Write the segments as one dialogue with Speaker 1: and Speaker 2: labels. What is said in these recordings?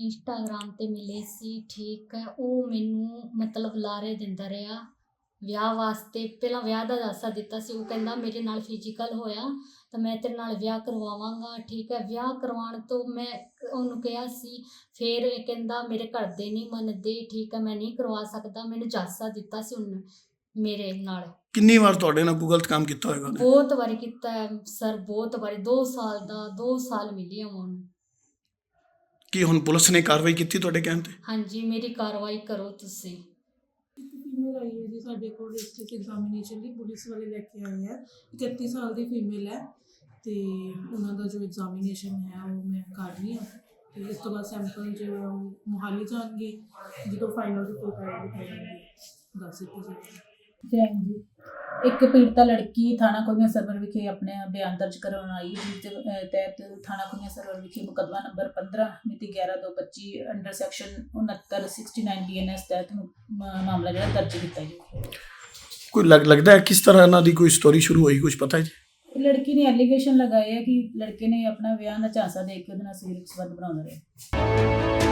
Speaker 1: Instagram ਤੇ ਮਿਲੇ ਸੀ, ਠੀਕ ਹੈ। ਉਹ ਮੈਨੂੰ ਮਤਲਬ ਲਾਰੇ ਦਿੰਦਾ ਰਿਹਾ ਵਿਆਹ ਵਾਸਤੇ। ਪਹਿਲਾਂ ਵਿਆਹ ਦਾ ਦਾਸਾ ਦਿੱਤਾ ਸੀ। ਉਹ ਕਹਿੰਦਾ ਮੇਰੇ ਨਾਲ ਫਿਜ਼ੀਕਲ ਹੋਇਆ ਤਾਂ ਮੈਂ ਤੇਰੇ ਨਾਲ ਵਿਆਹ ਕਰਵਾਵਾਂਗਾ, ਠੀਕ ਹੈ। ਵਿਆਹ ਕਰਵਾਉਣ ਤੋਂ ਮੈਂ ਉਹਨੂੰ ਕਿਹਾ ਸੀ, ਫਿਰ ਇਹ ਕਹਿੰਦਾ ਮੇਰੇ ਘਰ ਦੇ ਨਹੀਂ ਮੰਨਦੇ, ਠੀਕ ਹੈ, ਮੈਂ ਨਹੀਂ ਕਰਵਾ ਸਕਦਾ। ਮੈਨੂੰ ਦਾਸਾ ਦਿੱਤਾ ਸੀ ਉਹਨੇ ਮੇਰੇ ਨਾਲ।
Speaker 2: ਕਿੰਨੀ ਵਾਰ ਤੁਹਾਡੇ ਨਾਲ ਕੋਈ ਗਲਤ ਕੰਮ ਕੀਤਾ ਹੋਏਗਾ ਉਹਨੇ?
Speaker 1: ਬਹੁਤ ਵਾਰੀ ਕੀਤਾ ਹੈ ਸਰ, ਬਹੁਤ ਵਾਰੀ। 2 ਸਾਲ ਦਾ 2 ਸਾਲ ਮਿਲੀ ਆ ਉਹਨੂੰ।
Speaker 2: ਕੀ ਹੁਣ ਪੁਲਿਸ ਨੇ ਕਾਰਵਾਈ ਕੀਤੀ ਤੁਹਾਡੇ ਕਹਿਣ ਤੇ?
Speaker 1: ਹਾਂਜੀ, ਮੇਰੀ ਕਾਰਵਾਈ ਕਰੋ ਤੁਸੀਂ।
Speaker 3: ਇੱਕ ਫੀਮੇਲ ਆਈ ਹੈ ਜੀ ਸਾਡੇ ਕੋਲ ਡਿਸਟ੍ਰਿਕਟ ਐਗਜ਼ਾਮੀਨੇਸ਼ਨ ਲਈ, ਪੁਲਿਸ ਵਾਲੇ ਲੈ ਕੇ ਆਏ ਹੈ। 31 ਸਾਲ ਦੀ ਫੀਮੇਲ ਹੈ ਤੇ ਉਹਨਾਂ ਦਾ ਜੋ ਐਗਜ਼ਾਮੀਨੇਸ਼ਨ ਹੈ ਉਹ ਮੈਂ ਕਰ ਰਹੀ ਹਾਂ ਤੇ ਇਸ ਤੋਂ ਬਾਅਦ ਸੈਂਪਲ ਜੋ ਮੁਹਾਲੀ ਜਾਣਗੇ, ਜਦੋਂ ਫਾਈਨਲ ਰਿਪੋਰਟ ਆਏਗੀ ਤਾਂ ਦੱਸ ਦਿੱਤੀ ਜਾਏਗੀ।
Speaker 4: ਜੈਨ ਜੀ, ਇੱਕ ਪੀੜਤਾ ਲੜਕੀ ਥਾਣਾ ਕੁੜੀਆਂ ਸਰਵਰ ਵਿਖੇ ਆਪਣੇ ਬਿਆਨ ਦਰਜ ਕਰਵਾਉਣ ਆਈ, ਜਿਸ ਦੇ ਤਹਿਤ ਥਾਣਾ ਕੁੜੀਆਂ ਸਰਵਰ ਵਿਖੇ ਮੁਕੱਦਮਾ ਨੰਬਰ 15 ਮਿਤੀ 11/2/25 ਅੰਡਰ ਸੈਕਸ਼ਨ 6969 BNS ਤਹਿਤ ਮਾਮਲਾ ਜਿਹੜਾ ਦਰਜ ਕੀਤਾ ਜੀ।
Speaker 2: ਕੋਈ ਲੱਗਦਾ ਹੈ ਕਿਸ ਤਰ੍ਹਾਂ ਇਹਨਾਂ ਦੀ ਕੋਈ ਸਟੋਰੀ ਸ਼ੁਰੂ ਹੋਈ, ਕੁਝ ਪਤਾ ਹੈ ਜੀ?
Speaker 4: ਲੜਕੀ ਨੇ ਐਲੀਗੇਸ਼ਨ ਲਗਾਏ ਹੈ ਕਿ ਲੜਕੇ ਨੇ ਆਪਣਾ ਵਿਆਹ ਦਾ ਝਾਂਸਾ ਦੇ ਕੇ ਉਹਦੇ ਨਾਲ ਸਰੀਰਕ ਸੰਬੰਧ ਬਣਾਉਂਦਾ ਰਿਹਾ।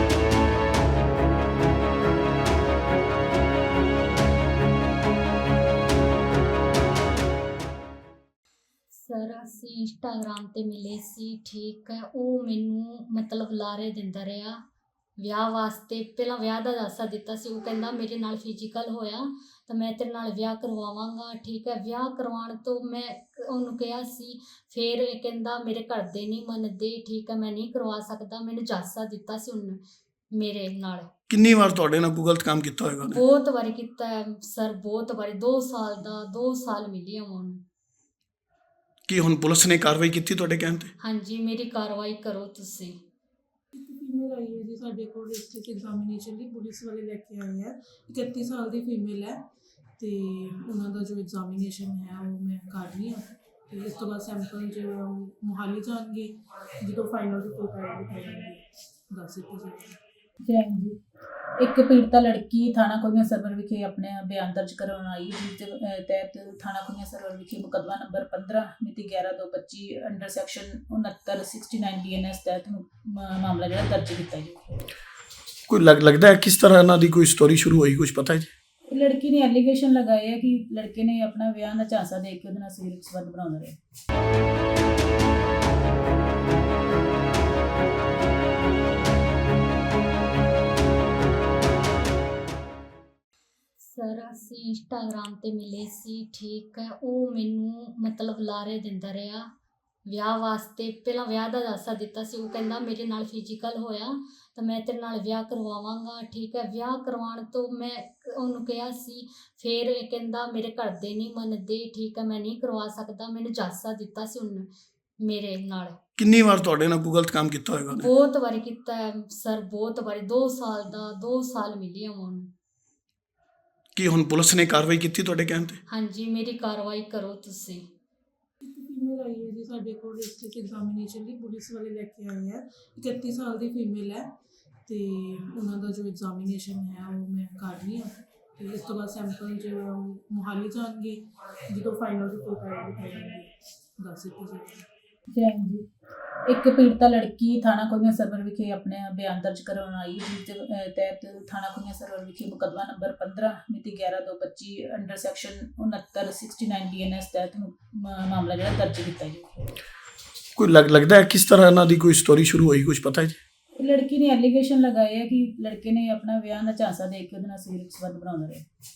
Speaker 1: ਸਰ ਅਸੀਂ ਇੰਸਟਾਗ੍ਰਾਮ ਤੇ ਮਿਲੇ ਸੀ, ਠੀਕ ਹੈ। ਉਹ ਮੈਨੂੰ ਮਤਲਬ ਲਾਰੇ ਦਿੰਦਾ ਰਿਹਾ ਵਿਆਹ ਵਾਸਤੇ। ਪਹਿਲਾਂ ਵਿਆਹ ਦਾ ਦਾਸਾ ਦਿੱਤਾ ਸੀ। ਉਹ ਕਹਿੰਦਾ ਮੇਰੇ ਨਾਲ ਫਿਜ਼ੀਕਲ ਹੋਇਆ ਤਾਂ ਮੈਂ ਤੇਰੇ ਨਾਲ ਵਿਆਹ ਕਰਵਾਵਾਂਗਾ, ਠੀਕ ਹੈ। ਵਿਆਹ ਕਰਵਾਉਣ ਤੋਂ ਮੈਂ ਉਹਨੂੰ ਕਿਹਾ ਸੀ, ਫਿਰ ਇਹ ਕਹਿੰਦਾ ਮੇਰੇ ਘਰ ਦੇ ਨਹੀਂ ਮੰਨਦੇ, ਠੀਕ ਹੈ, ਮੈਂ ਨਹੀਂ ਕਰਵਾ ਸਕਦਾ। ਮੈਨੂੰ ਦਾਸਾ ਦਿੱਤਾ ਸੀ ਉਹਨੇ ਮੇਰੇ ਨਾਲ।
Speaker 2: ਕਿੰਨੀ ਵਾਰ ਤੁਹਾਡੇ ਨਾਲ ਕੋਈ ਗਲਤ ਕੰਮ ਕੀਤਾ ਹੋਏਗਾ ਉਹਨੇ?
Speaker 1: ਬਹੁਤ ਵਾਰੀ ਕੀਤਾ ਹੈ ਸਰ, ਬਹੁਤ ਵਾਰੀ। 2 ਸਾਲ ਦਾ 2 ਸਾਲ ਮਿਲੀ ਆ ਉਹਨੂੰ।
Speaker 2: ਕੀ ਹੁਣ ਪੁਲਿਸ ਨੇ ਕਾਰਵਾਈ ਕੀਤੀ ਤੁਹਾਡੇ ਕਹਿਣ ਤੇ?
Speaker 1: ਹਾਂਜੀ, ਮੇਰੀ ਕਾਰਵਾਈ ਕਰੋ ਤੁਸੀਂ।
Speaker 3: ਇੱਕ ਫੀਮੇਲ ਆਈ ਹੈ ਜੀ ਸਾਡੇ ਕੋਲ ਡਿਸਟ੍ਰਿਕਟ ਐਗਜ਼ਾਮੀਨੇਸ਼ਨ ਲਈ, ਪੁਲਿਸ ਵਾਲੇ ਲੈ ਕੇ ਆਏ ਹੈ। 31 ਸਾਲ ਦੀ ਫੀਮੇਲ ਹੈ ਤੇ ਉਹਨਾਂ ਦਾ ਜੋ ਐਗਜ਼ਾਮੀਨੇਸ਼ਨ ਹੈ ਉਹ ਮੈਂ ਕਰ ਰਹੀ ਹਾਂ ਤੇ ਇਸ ਤੋਂ ਬਾਅਦ ਸੈਂਪਲ ਜੋ ਮੁਹਾਲੀ ਜਾਣਗੇ, ਜਦੋਂ ਫਾਈਨਲ ਰਿਪੋਰਟ ਆਏਗੀ ਤਾਂ ਦੱਸ ਦਿੱਤੀ ਜਾਏਗੀ।
Speaker 4: ਜੈਨ ਜੀ, ਇੱਕ ਪੀੜਤਾ ਲੜਕੀ ਥਾਣਾ ਕੁੜੀਆਂ ਸਰਵਰ ਵਿਖੇ ਆਪਣੇ ਬਿਆਨ ਦਰਜ ਕਰਵਾਉਣ ਆਈ, ਜਿਸ ਦੇ ਤਹਿਤ ਥਾਣਾ ਕੁੜੀਆਂ ਸਰਵਰ ਵਿਖੇ ਮੁਕੱਦਮਾ ਨੰਬਰ 15 ਮਿਤੀ 11/2/25 ਅੰਡਰ ਸੈਕਸ਼ਨ 6969 BNS ਤਹਿਤ ਮਾਮਲਾ ਜਿਹੜਾ ਦਰਜ ਕੀਤਾ ਜੀ।
Speaker 2: ਕੋਈ ਲੱਗਦਾ ਹੈ ਕਿਸ ਤਰ੍ਹਾਂ ਇਹਨਾਂ ਦੀ ਕੋਈ ਸਟੋਰੀ ਸ਼ੁਰੂ ਹੋਈ, ਕੁਝ ਪਤਾ ਹੈ ਜੀ?
Speaker 4: ਲੜਕੀ ਨੇ ਐਲੀਗੇਸ਼ਨ ਲਗਾਏ ਹੈ ਕਿ ਲੜਕੇ ਨੇ ਆਪਣਾ ਵਿਆਹ ਦਾ ਝਾਂਸਾ ਦੇ ਕੇ ਉਹਦੇ ਨਾਲ ਸਰੀਰਕ ਸੰਬੰਧ ਬਣਾਉਂਦਾ ਰਿਹਾ।
Speaker 1: ਸਰ ਅਸੀਂ ਇੰਸਟਾਗ੍ਰਾਮ ਤੇ ਮਿਲੇ ਸੀ, ਠੀਕ ਹੈ। ਉਹ ਮੈਨੂੰ ਮਤਲਬ ਲਾਰੇ ਦਿੰਦਾ ਰਿਹਾ ਵਿਆਹ ਵਾਸਤੇ। ਪਹਿਲਾਂ ਵਿਆਹ ਦਾ ਦਾਸਾ ਦਿੱਤਾ ਸੀ। ਉਹ ਕਹਿੰਦਾ ਮੇਰੇ ਨਾਲ ਫਿਜ਼ੀਕਲ ਹੋਇਆ ਤਾਂ ਮੈਂ ਤੇਰੇ ਨਾਲ ਵਿਆਹ ਕਰਵਾਵਾਂਗਾ, ਠੀਕ ਹੈ। ਵਿਆਹ ਕਰਵਾਉਣ ਤੋਂ ਮੈਂ ਉਹਨੂੰ ਕਿਹਾ ਸੀ, ਫਿਰ ਇਹ ਕਹਿੰਦਾ ਮੇਰੇ ਘਰ ਦੇ ਨਹੀਂ ਮੰਨਦੇ, ਠੀਕ ਹੈ, ਮੈਂ ਨਹੀਂ ਕਰਵਾ ਸਕਦਾ। ਮੈਨੂੰ ਦਾਸਾ ਦਿੱਤਾ ਸੀ ਉਹਨੇ ਮੇਰੇ ਨਾਲ।
Speaker 2: ਕਿੰਨੀ ਵਾਰ ਤੁਹਾਡੇ ਨਾਲ ਕੋਈ ਗਲਤ ਕੰਮ ਕੀਤਾ ਹੋਏਗਾ ਉਹਨੇ?
Speaker 1: ਬਹੁਤ ਵਾਰੀ ਕੀਤਾ ਹੈ ਸਰ, ਬਹੁਤ ਵਾਰੀ। 2 ਸਾਲ ਦਾ 2 ਸਾਲ ਮਿਲੀ ਆ ਉਹਨੂੰ।
Speaker 2: ਕੀ ਹੁਣ ਪੁਲਿਸ ਨੇ ਕਾਰਵਾਈ ਕੀਤੀ ਤੁਹਾਡੇ ਕਹਿਣ ਤੇ?
Speaker 1: ਹਾਂਜੀ, ਮੇਰੀ ਕਾਰਵਾਈ ਕਰੋ ਤੁਸੀਂ।
Speaker 3: ਇੱਕ ਫੀਮੇਲ ਆਈ ਹੈ ਜੀ ਸਾਡੇ ਕੋਲ ਡਿਸਟ੍ਰਿਕਟ ਐਗਜ਼ਾਮੀਨੇਸ਼ਨ ਲਈ, ਪੁਲਿਸ ਵਾਲੇ ਲੈ ਕੇ ਆਏ ਹੈ। 31 ਸਾਲ ਦੀ ਫੀਮੇਲ ਹੈ ਤੇ ਉਹਨਾਂ ਦਾ ਜੋ ਐਗਜ਼ਾਮੀਨੇਸ਼ਨ ਹੈ ਉਹ ਮੈਂ ਕਰ ਰਹੀ ਹਾਂ ਤੇ ਇਸ ਤੋਂ ਬਾਅਦ ਸੈਂਪਲ ਜੋ ਮੁਹਾਲੀ ਜਾਣਗੇ, ਜਦੋਂ ਫਾਈਨਲ ਰਿਪੋਰਟ ਆਏਗੀ ਤਾਂ ਦੱਸ ਦਿੱਤੀ ਜਾਏਗੀ।
Speaker 4: ਜੈਨ ਜੀ, ਇੱਕ ਪੀੜਤਾ ਲੜਕੀ ਥਾਣਾ ਕੁੜੀਆਂ ਸਰਵਰ ਵਿਖੇ ਆਪਣੇ ਬਿਆਨ ਦਰਜ ਕਰਵਾਉਣ ਆਈ, ਜਿਸ ਦੇ ਤਹਿਤ ਥਾਣਾ ਕੁੜੀਆਂ ਸਰਵਰ ਵਿਖੇ ਮੁਕੱਦਮਾ ਨੰਬਰ 15 ਮਿਤੀ 11/2/25 ਅੰਡਰ ਸੈਕਸ਼ਨ 6969 BNS ਤਹਿਤ ਮਾਮਲਾ ਜਿਹੜਾ ਦਰਜ ਕੀਤਾ ਜੀ।
Speaker 2: ਕੋਈ ਲੱਗਦਾ ਹੈ ਕਿਸ ਤਰ੍ਹਾਂ ਇਹਨਾਂ ਦੀ ਕੋਈ ਸਟੋਰੀ ਸ਼ੁਰੂ ਹੋਈ, ਕੁਝ ਪਤਾ ਹੈ ਜੀ?
Speaker 4: ਲੜਕੀ ਨੇ ਐਲੀਗੇਸ਼ਨ ਲਗਾਏ ਹੈ ਕਿ ਲੜਕੇ ਨੇ ਆਪਣਾ ਵਿਆਹ ਦਾ ਝਾਂਸਾ ਦੇ ਕੇ ਉਹਦੇ ਨਾਲ ਸਰੀਰਕ ਸੰਬੰਧ ਬਣਾਉਂਦਾ ਰਿਹਾ।